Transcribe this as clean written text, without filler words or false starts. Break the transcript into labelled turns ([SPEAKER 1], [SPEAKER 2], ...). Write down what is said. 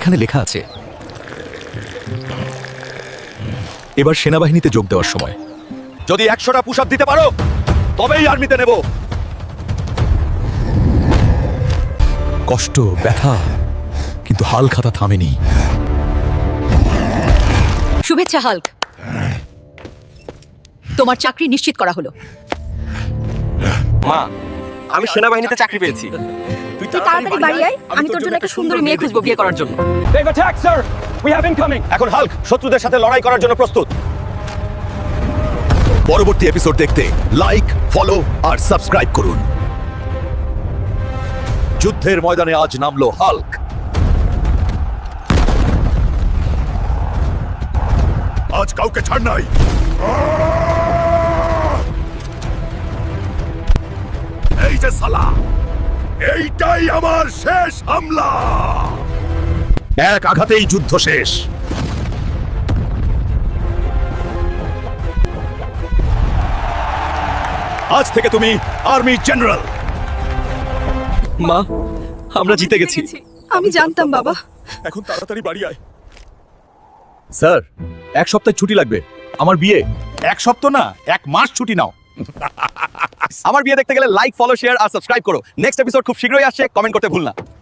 [SPEAKER 1] এখানে লেখা আছে এবার সেনাবাহিনীতে যোগ দেওয়ার সময়।
[SPEAKER 2] যদি 100টা পুশ আপ দিতে পারো তবেই আর্মিতে নেব।
[SPEAKER 1] কষ্ট, ব্যথা, কিন্তু হালখাতা থামেনি।
[SPEAKER 3] শুভেচ্ছা হাল্ক, তোমার চাকরি নিশ্চিত করা হলো।
[SPEAKER 4] মা, আমি সেনাবাহিনীতে চাকরি পেয়েছি।
[SPEAKER 3] তুই তাড়াতাড়ি বাড়ি আয়, আমি তোর জন্য একটা সুন্দরী মেয়ে খুঁজবো বিয়ে করার জন্য।
[SPEAKER 2] এখন হাল্ক শত্রুদের সাথে লড়াই করার জন্য প্রস্তুত।
[SPEAKER 1] পরবর্তী এপিসোড দেখতে লাইক, ফলো আর সাবস্ক্রাইব করুন।
[SPEAKER 2] যুদ্ধের ময়দানে আজ নামলো হাল্ক।
[SPEAKER 1] আজ কাউকে ছাড় নাই। এই যে সালা, এইটাই আমার শেষ হামলা। এক আঘাতেই যুদ্ধ শেষ। আজ থেকে তুমি আর্মি জেনারেল।
[SPEAKER 4] মা, আমরা জিতে গেছি।
[SPEAKER 3] আমি জানতাম বাবা।
[SPEAKER 1] এখন তাড়াতাড়ি বাড়ি আয়। স্যার, 1 সপ্তাহ ছুটি লাগবে। আমার বিয়ে।
[SPEAKER 2] 1 সপ্তাহ না, 1 মাস ছুটি নাও। আমার বিয়ে দেখতে গেলে লাইক, ফলো, শেয়ার আর সাবস্ক্রাইব করো। নেক্সট এপিসোড খুব শীঘ্রই আসছে, কমেন্ট করতে ভুল না।